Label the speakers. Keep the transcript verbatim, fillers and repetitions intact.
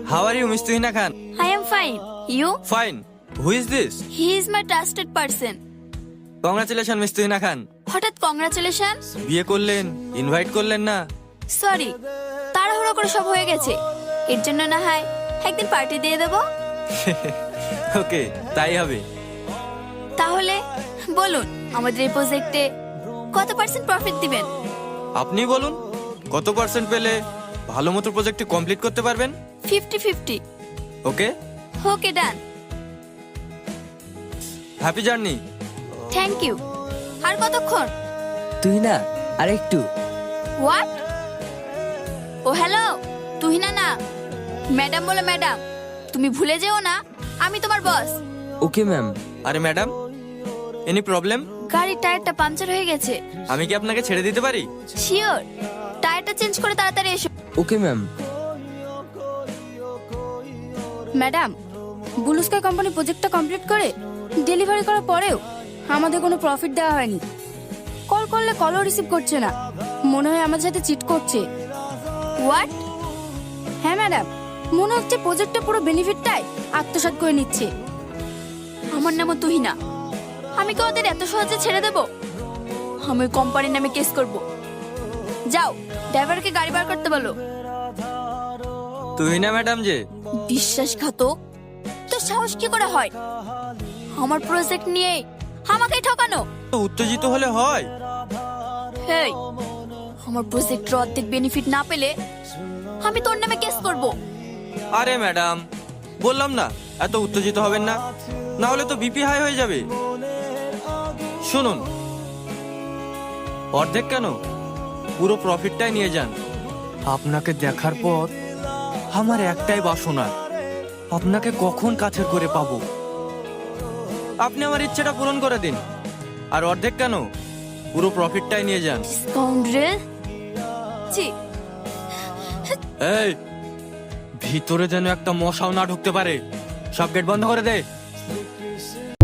Speaker 1: How are you, Miss Tuhina Khan?
Speaker 2: I am fine. You?
Speaker 1: Fine. Who is this?
Speaker 2: He is my trusted person.
Speaker 1: Congratulations, Miss Tuhina Khan.
Speaker 2: হঠাৎ congratulation?
Speaker 1: বিয়ে করলেন, invite করলেন না?
Speaker 2: Sorry, তাড়াহুড়ো করে সব হয়ে গেছে। এর জন্য না হয় একদিন পার্টি দিয়ে দেব।
Speaker 1: ওকে, তাই হবে।
Speaker 2: তাহলে বলুন, আমাদের এই প্রজেক্টে কত পার্সেন্ট প্রফিট দিবেন?
Speaker 1: আপনি বলুন, কত পার্সেন্ট পেলে ভালো মতো প্রজেক্টটি কমপ্লিট করতে পারবেন?
Speaker 2: Fifty fifty.
Speaker 1: Okay,
Speaker 2: okay, done.
Speaker 1: Happy journey.
Speaker 2: Thank you. আর কতক্ষণ?
Speaker 3: তুই না আর একটু।
Speaker 2: হোয়াট? ও হ্যালো, তুহিনা না, ম্যাডাম বলো ম্যাডাম। তুমি ভুলে যেও না, আমি তোমার বস।
Speaker 3: Okay ma'am.
Speaker 1: আরে ম্যাডাম, এনি প্রবলেম?
Speaker 2: গাড়ির টায়ারটা পাঞ্চার হয়ে গেছে।
Speaker 1: আমি কি আপনাকে ছেড়ে দিতে পারি?
Speaker 2: শিওর, টায়ারটা চেঞ্জ করে তাড়াতাড়ি এসো।
Speaker 3: Okay ma'am.
Speaker 4: Madam, blue sky company প্রজেক্টটা কমপ্লিট করে ডেলিভারি করার পরেও আমাদের কোনো প্রফিট দেওয়া হয়নি। কল করলে কলও রিসিভ করছে না, মনে হয় আমাদের সাথে চিট করছে।
Speaker 2: হোয়াট?
Speaker 4: হ্যাঁ ম্যাডাম, মনে হচ্ছে প্রজেক্টটা পুরো বেনিফিটটাই আত্মসাৎ করে নিচ্ছে।
Speaker 2: আমার নামও তুহিনা। আমি কি ওদের এত সহজে ছেড়ে দেব? আমি কোম্পানির নামে কেস করব। যাও, ড্রাইভারকে গাড়ি বার করতে বলো।
Speaker 1: তুহিনা ম্যাডাম যে।
Speaker 2: বিশ্বাসঘাতক, তো সাহস কি করে হয় আমার প্রজেক্ট নিয়ে আমাকে ঠকানো?
Speaker 1: উত্তেজিত হলে হয়।
Speaker 2: হেই, আমার প্রজেক্টের অর্ধেক বেনিফিট না পেলে আমি তোর নামে কেস করব।
Speaker 1: আরে ম্যাডাম, বললাম না এত উত্তেজিত হবেন না, না হলে তো বিপি হাই হয়ে যাবে। শুনুন, অর্ধেক কেন, পুরো প্রফিটটাই নিয়ে যান। আপনাকে দেখার পর আমার একটাই বাসনা, আপনাকে কখন কাছের করে পাবো। আপনি আমার ইচ্ছেটা পূরণ করে দিন, আর অর্ধেক কেন, পুরো প্রফিটটাই নিয়ে যান।
Speaker 2: স্কাউন্ড্রেল। জি।
Speaker 1: এই, ভিতরে যেন একটা মশাও না ঢুকতে পারে। সব গেট বন্ধ করে দে।